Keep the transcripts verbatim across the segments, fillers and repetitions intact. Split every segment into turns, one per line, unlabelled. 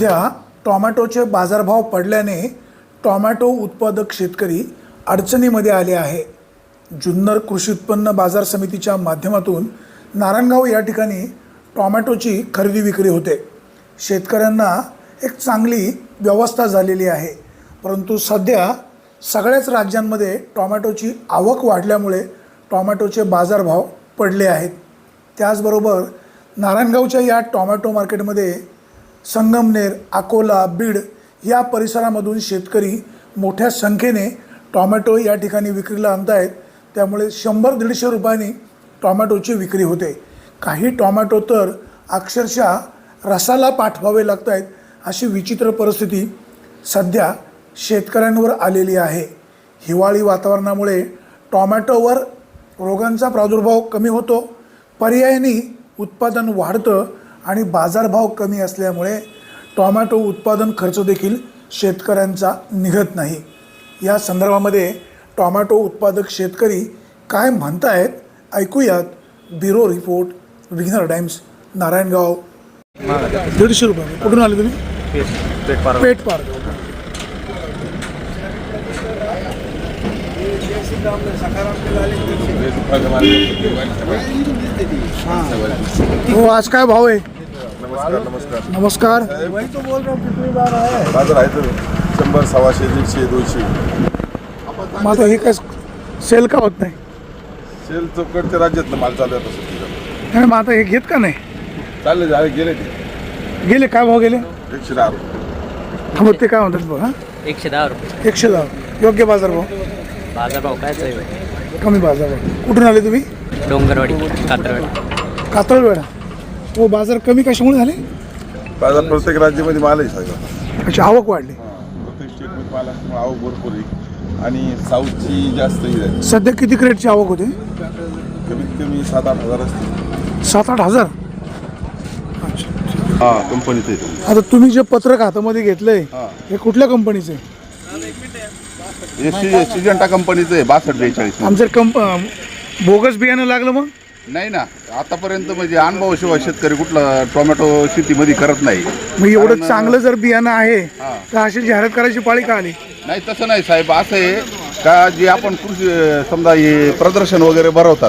सध्या टोमॅटोचे बाजारभाव पडल्याने टोमॅटो उत्पादक शेतकरी अडचणीमध्ये आले आहे। जुन्नर कृषी उत्पन्न बाजार समितीच्या माध्यमातून नारायणगाव या ठिकाणी टोमॅटोची खरेदी विक्री होते। शेतकऱ्यांना एक चांगली व्यवस्था झालेली आहे, परंतु सध्या सगळ्याच राज्यांमध्ये टोमॅटोची आवक वाढल्यामुळे टोमॅटोचे बाजारभाव पडले आहेत। त्याचबरोबर नारायणगावच्या या टोमॅटो मार्केटमध्ये संगमनेर, अकोला, बीड या परिसरामधून शेतकरी मोठ्या संख्येने टोमॅटो या ठिकाणी विक्रीला आणत आहेत। त्यामुळे शंभर दीडशे रुपयांनी टोमॅटोची विक्री होते। काही टोमॅटो तर अक्षरशः रसाला पाठवावे लागत आहेत, अशी विचित्र परिस्थिती सध्या शेतकऱ्यांवर आलेली आहे। हिवाळी वातावरणामुळे टोमॅटोवर रोगांचा प्रादुर्भाव कमी होतो, पर्यायाने उत्पादन वाढतं आणि बाजारभाव कमी असल्यामुळे टोमॅटो उत्पादन खर्च देखील शेतकऱ्यांचा निघत नाही। या संदर्भामध्ये टोमॅटो उत्पादक शेतकरी काय म्हणतायत ऐकूयात। ब्युरो रिपोर्ट, विघ्नर टाइम्स, नारायणगाव। दीडशे रुपये कुठून आले तुम्ही?
पेट पार
पेट पार हो। आज काय भाव आहे?
नमस्कार नमस्कार
नमस्कार।
वही तो बोल रहा हूँ, कितनी बार आया बाजार आहे तर शंभर सव्वाशे दीडशे दोनशे।
मग आता हे काय सेल का होत नाही?
सेल चौकडच्या राज्यातलं माल चालू आहे तसं
नाही, मग आता हे घेत का नाही?
चालले झाले गेले ते
गेले काय भाव गेले?
एकशे दहा रुपये।
हा, मग ते काय म्हणतात बघ। हां,
एकशे दहा रुपये
एकशे दहा योग्य बाजारभाव,
बाजारभाव काय आहे?
कमी बाजारभाव। कुठून आले तुम्ही?
डोंगरवाडी, कात्रवाडी।
कातळवेढा। हो, बाजार कमी कशामुळे झाले?
बाजार प्रत्येक राज्यामध्ये माल आहे सगळं।
अच्छा, आवक वाढली।
प्रत्येक स्टेटमध्ये माल असल्यामुळे आवक भरपूर आहे आणि साऊथची जास्त ही आहे।
सध्या किती क्रेटची आवक होते?
कमीत कमी सात आठ हजार असते।
सात आठ हजार अच्छा।
हां, कंपनीचं आहे।
आता तुम्ही जे पत्रक हातामध्ये घेतलंय
हां,
हे कुठल्या कंपनीचं आहे?
हे सिजंटा कंपनीचं आहे बासष्ट बेचाळीस।
आमचं कंप बोगस बियाणं लागलं मग?
नाही ना, आतापर्यंत म्हणजे अनुभवाशिवाय शेतकरी कुठला टोमॅटो शेतीमध्ये करत नाही।
मग एवढं
कारण-
चांगलं जर बियाणं आहे
हां.
तर अशी जाहिरात करायची पाळी का आली?
नाही तसं नाही साहेब, असं आहे का जे आपण कृषी समजा हे प्रदर्शन वगैरे भरवतात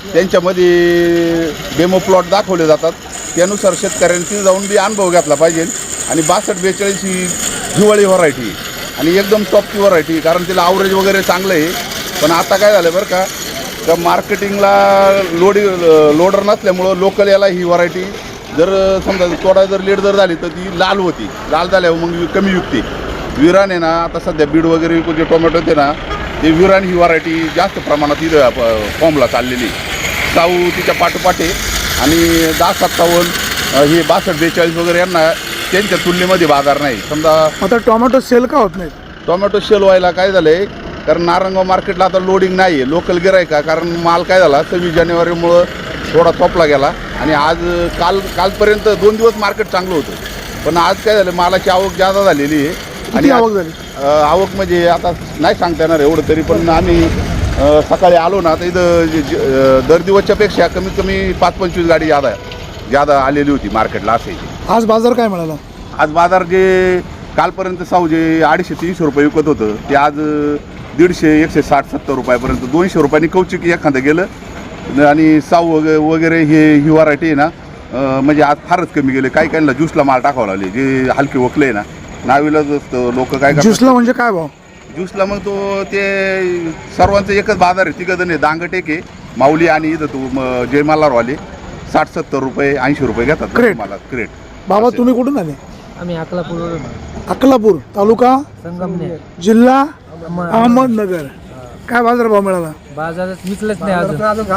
त्यांच्यामध्ये डेमो प्लॉट दाखवले जातात, त्यानुसार शेतकऱ्यांची जाऊन बी अनुभव घेतला पाहिजे। आणि बासष्ट बेचाळीस ही हिवाळी व्हरायटी आणि एकदम टॉपची व्हरायटी, कारण तिला आवरेज वगैरे चांगलं आहे। पण आता काय झालं बरं का, तर मार्केटिंगला लोडी लोडर नसल्यामुळं लोकल याला ही व्हरायटी जर समजा थोडा जर लेट जर झाली तर ती लाल होती, लाल झाल्यावर मग कमी विकते। विरान आहे ना, आता सध्या बीड वगैरे जे टोमॅटो होते ना, ते विरान ही व्हरायटी जास्त प्रमाणात इथं फॉर्मला चाललेली। साऊ तिच्या पाठोपाठ आहे आणि दहा सत्तावन्न हे बासष्ट बेचाळीस वगैरे यांना त्यांच्या तुलनेमध्ये बाजार नाही। समजा
आता टोमॅटो सेल का होत नाही?
टोमॅटो शेल व्हायला काय झालं आहे, कारण नारायणगाव मार्केटला आता लोडिंग नाही आहे लोकल गिरायका, कारण माल काय झाला सव्वीस जानेवारीमुळं थोडा थोपला गेला आणि आज काल कालपर्यंत दोन दिवस मार्केट चांगलं होतं। पण आज काय झालं, मालाची आवक जादा झालेली आहे।
किती आवक झाली?
अ, आवक म्हणजे आता नाही सांगता येणार एवढं, तरी पण आम्ही अ, सकाळी आलो ना तर इथं जे- जे- अ, दर दिवसच्या पेक्षा कमीत कमी पाच पंचवीस गाडी जादा जादा आलेली होती मार्केटला असे।
आज बाजार काय मिळाला?
आज बाजार जे कालपर्यंत साऊ जे अडीचशे तीनशे रुपये विकत होतं ते आज दीडशे एकशे साठ सत्तर रुपयापर्यंत दोनशे रुपयांनी कौचिक एखादं गेलं। आणि साऊ वगैरे वगैरे हे ही व्हरायटी आहे ना, अ, म्हणजे आज फारच कमी गेले। काही काहींना ज्यूसला माल टाकावं लागले, जे हलके वकले आहे ना, नावीलाच असतं लोक काय करतात।
ज्यूसला म्हणजे काय भाव?
ज्यूसला मग तो ते सर्वांचं एकच बाजार आहे, तिघं दांगटेक आहे, माऊली आणि इथं तो म- जय मल्हारवाले साठ सत्तर रुपये ऐंशी रुपये घेतात
क्रेट.
मला क्रेट।
बाबा
असे.
तुम्ही कुठून आले?
आम्ही अकलापूर,
अकलापूर तालुका,
संगमनेर,
जिल्हा
अहमद-
अहमदनगर। काय बाजारभाव मिळाला?
बाजारात विकलंच नाही अजून,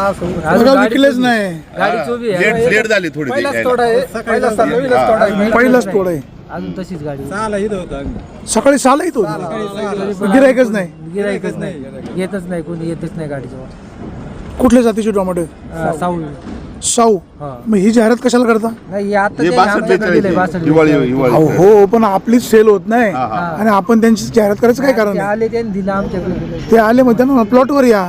बघा,
गाडी
विकलेच नाही।
गाडी चोवी आहे,
लेट लेट झाली थोडी ती
पहिलाच
यायला.
तोडा आहे, पहिलाच तोडा आहे.
पहिलाच तोड आहे,
अजून तशीच गाडी
सकाळी सहाला येतो गिरायकच नाही।
गिरायकच नाही, येतच नाही, कोणी येतच नाही गाडीजवळ।
कुठल्या जातीचे टोमॅटो?
अं, साऊल
साऊ।
हा.
मग ही जाहिरात कशाला करता?
नाही हे आता
हे
ते
बासष्ट
आमच्याकडे
बेचाळीस
दिलंय,
आहे.
बासष्ट
हिवाळी
बेचाळीस.
हिवाळी
अहो हो, पण आपलीच सेल होत नाही
हा, हा.
आणि आपण त्यांची जाहिरात करायचं काय कारण
ते
आहे?
आले त्यांनी दिलं आमच्याकडे.
ते आले मग त्यांना प्लॉटवर या,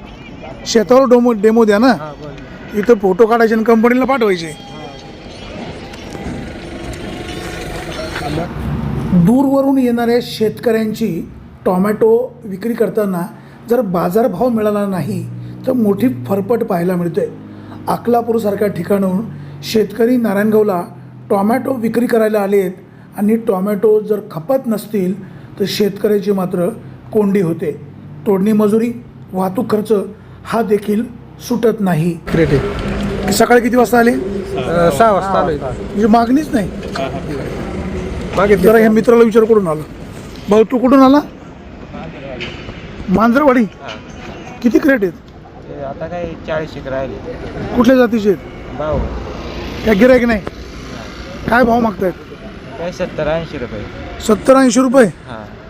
शेतावर डेमो डेमो द्या ना,
हा, बरं.
इथं फोटो काढायचे आणि कंपनीला पाठवायचे। दूरवरून येणाऱ्या शेतकऱ्यांची टॉमॅटो विक्री करताना जर बाजारभाव मिळाला नाही तर मोठी फरफट पाहायला मिळते. अकलापूरसारख्या ठिकाणाहून शेतकरी नारायणगावला टॉमॅटो विक्री करायला आलेत आणि टॉमॅटो जर खपत नसतील तर शेतकऱ्याची मात्र कोंडी होते. तोडणी मजुरी, वाहतूक खर्च हा देखील सुटत नाही.
क्रेटे
सकाळी किती वाजता आले?
सहा वाजता आलोय.
म्हणजे मागणीच नाही.
मागे
जरा ह्या मित्राला विचार कुठून आला. भाऊ तू कुठून आला? मांजरवाडी. किती क्रेट आहेत?
आता काय चाळीस एक राहिले.
कुठल्या जातीचे आहेत?
भाऊ
या गिरायक नाही. काय भाव मागतायत?
काय सत्तर ऐंशी रुपये.
सत्तर ऐंशी रुपये.
हां